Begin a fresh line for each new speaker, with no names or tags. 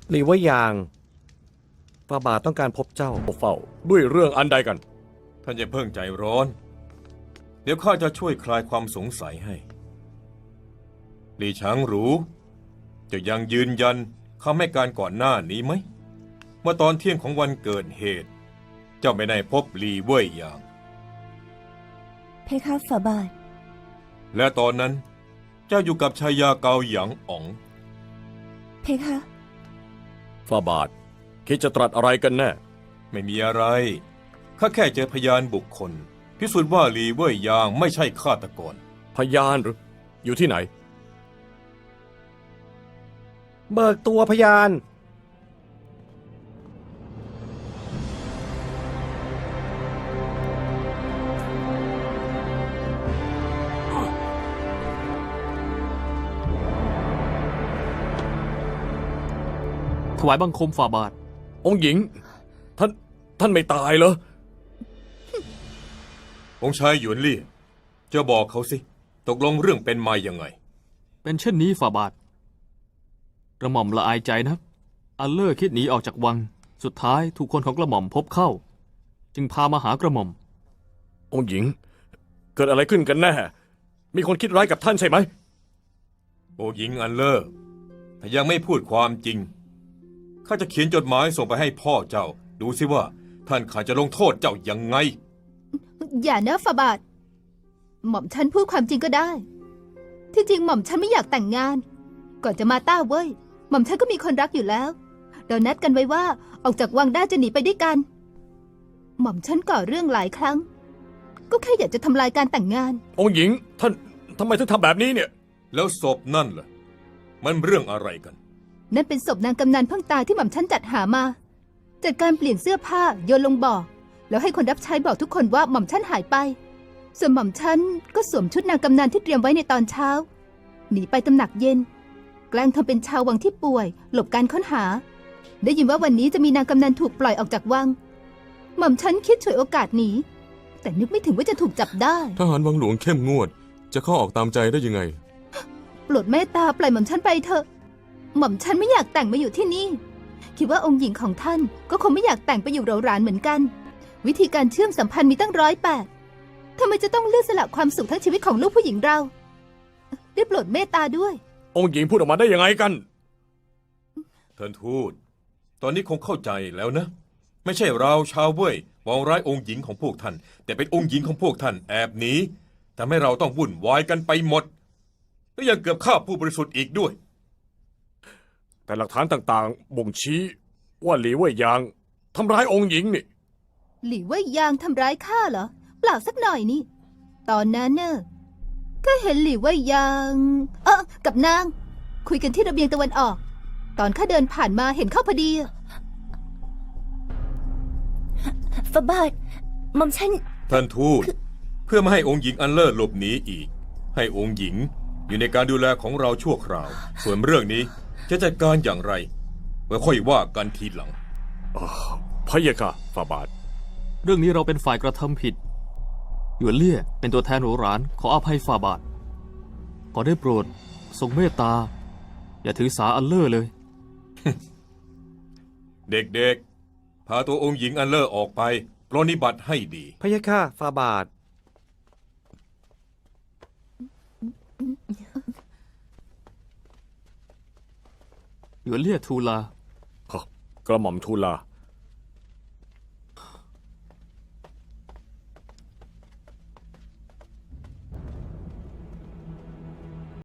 หรือว่ายางฝ่าบาทต้องการพบเจ้าเฝ้าด้วยเรื่องอันใดกัน
ท่านอย่าเพิ่งใจร้อนเดี๋ยวข้าจะช่วยคลายความสงสัยให้หลี่ช้างหรูจะยังยืนยันคำให้การก่อนหน้านี้ไหมเมื่อตอนเที่ยงของวันเกิดเหตุเจ้าไม่ได้พบหลี่เว่ยหยาง
เพคะฝ่าบาท
และตอนนั้นเจ้าอยู่กับชายาเกาหยางอ๋อง
เพคะ
ฝ่าบาทคิดจะตรัสอะไรกันแน่
ไม่มีอะไรข้าแค่เจอพยานบุคคลพิสูจน์ว่าหลี่เว่ยหยางไม่ใช่ฆาตกร
พยานหรืออยู่ที่ไหนเบิกตัวพยาน
ถวายบังคมฝ่าบาท
องค์หญิงท่านไม่ตายเหรอ
องค์ชายหยวนลี่จะบอกเขาสิตกลงเรื่องเป็นมายังไง
เป็นเช่นนี้ฝ่าบาทกระหม่อมละอายใจนะอัลเลอร์คิดหนีออกจากวังสุดท้ายถูกคนของกระหม่อมพบเข้าจึงพามาหากระหม่อม
องค์หญิงเกิดอะไรขึ้นกันแน่มีคนคิดร้ายกับท่านใช่ไหม
องค์หญิงอัลเลอร์ถ้ายังไม่พูดความจริงข้าจะเขียนจดหมายส่งไปให้พ่อเจ้าดูสิว่าท่านข้าจะลงโทษเจ้ายังไง
อย่านะฝ่าบาทหม่อมฉันพูดความจริงก็ได้ที่จริงหม่อมฉันไม่อยากแต่งงานก่อนจะมาต้าเว้ยหม่อมฉันก็มีคนรักอยู่แล้วเรานัดกันไว้ว่าออกจากวังได้จะหนีไปด้วยกันหม่อมฉันก่อเรื่องหลายครั้งก็แค่อยากจะทำลายการแต่งงาน
องค์หญิงท่านทำไมถึงทำแบบนี้เนี่ย
แล้วศพนั่นล่ะมันเรื่องอะไรกัน
นั่นเป็นศพนางกำนันเพิ่งตายที่หม่อมฉันจัดหามาจัดการเปลี่ยนเสื้อผ้าโยนลงบ่อแล้วให้คนรับใช้บอกทุกคนว่าหม่อมฉันหายไปส่วนหม่อมฉันก็สวมชุดนางกำนันที่เตรียมไว้ในตอนเช้าหนีไปตำหนักเย็นแกล้งทำเป็นชาววังที่ป่วยหลบการค้นหาได้ยินว่าวันนี้จะมีนางกำนันถูกปล่อยออกจากวังหม่อมฉันคิดฉวยโอกาสหนีแต่นึกไม่ถึงว่าจะถูกจับได้
ทหารวังหลวงเข้มงวดจะเข้าออกตามใจได้ยังไง
โปรดเมตตาปล่อยหม่อมฉันไปเถอะหม่อมฉันไม่อยากแต่งมาอยู่ที่นี่คิดว่าองค์หญิงของท่านก็คงไม่อยากแต่งไปอยู่เราหรานเหมือนกันวิธีการเชื่อมสัมพันธ์มีตั้ง108ทำไมจะต้องเลือกสละความสุขทั้งชีวิตของลูกผู้หญิงเราได้โปรดเมตตาด้วย
องค์หญิงพูดออกมาได้ยังไงกัน
ท่านทูตตอนนี้คงเข้าใจแล้วนะไม่ใช่เราชาวเว่ยมองร้ายองค์หญิงของพวกท่านแต่เป็นองค์หญิงของพวกท่านแอบหนีทำให้เราต้องวุ่นวายกันไปหมดและยังเกือบฆ่าผู้บริสุทธิ์อีกด้วย
แต่หลักฐานต่างๆบ่งชี้ว่าหลี่เว่ยหยางทำร้ายองค์หญิงนี่
หลี่เว่ยหยางทำร้ายข้าเหรอเปล่าสักหน่อยนี่ตอนนั้นเนอะก็เห็นหลี่เว่ยหยางกับนางคุยกันที่ระเบียงตะวันออกตอนข้าเดินผ่านมาเห็นเข้าพอดี
ฝ่าบาทหม่อมฉัน
ท่านทูตเพื่อไม่ให้องค์หญิงอันเลิศหลบหนีอีกให้องค์หญิงอยู่ในการดูแลของเราชั่วคราวส่วนเรื่องนี้จะจัดการอย่างไรไว้ค่อยว่ากันทีหลัง
พะยะค่ะฝ่าบาท
เรื่องนี้เราเป็นฝ่ายกระทำผิดหยวนเลี่ยเป็นตัวแทนโหรานขออภัยฝ่าบาทขอได้โปรดทรงเมตตาอย่าถือสาอัลเลอร์เลย
เด็กๆพาตัวองค์หญิงอันเลอร์ออกไปปรนนิบัติให้ดี
พะยะค่ะฝ่าบาท
หยวนเลี่ยทูลา
กระหม่อมทูลา